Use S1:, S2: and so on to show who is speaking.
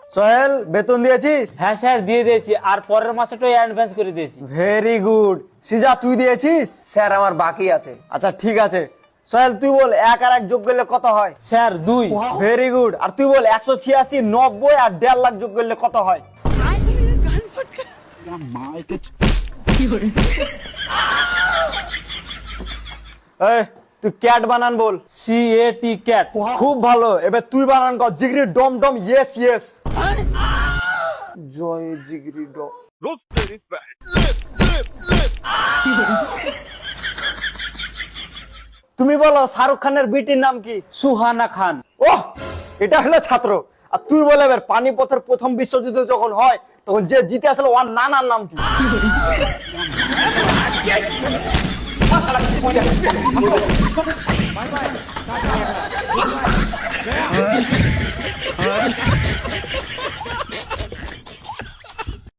S1: সোহেল বেতন দিয়েছিস?
S2: হ্যাঁ স্যার দিয়ে দিয়েছি, আর পরের মাসেটাও অ্যাডভান্স করে দিয়েছি।
S1: Very good. সিজা তুই দিয়েছিস?
S3: স্যার আমার বাকি আছে।
S1: আচ্ছা ঠিক আছে। সোহেল তুই বল 1 আর 1 যোগ করলে কত হয়?
S2: স্যার 2।
S1: Very good. আর তুই বল 186, 90 আর 1.5 লাখ যোগ করলে কত হয়? এই তুই ক্যাট বানান বল।
S2: CAT cat.
S1: খুব ভালো। এবার তুই বানান কর জিগরি ডম ডম ইয়েস ইয়েস। জয় জিগরি ডম। তুমি বলো শাহরুখ খানের বিটির নাম কি?
S2: সুহানা খান।
S1: ওহ, এটা হলো ছাত্র। আর তুই বলে এবার পানিপথের প্রথম বিশ্বযুদ্ধ যখন হয় তখন যে জিতে আসলে ওর নানার নাম কি?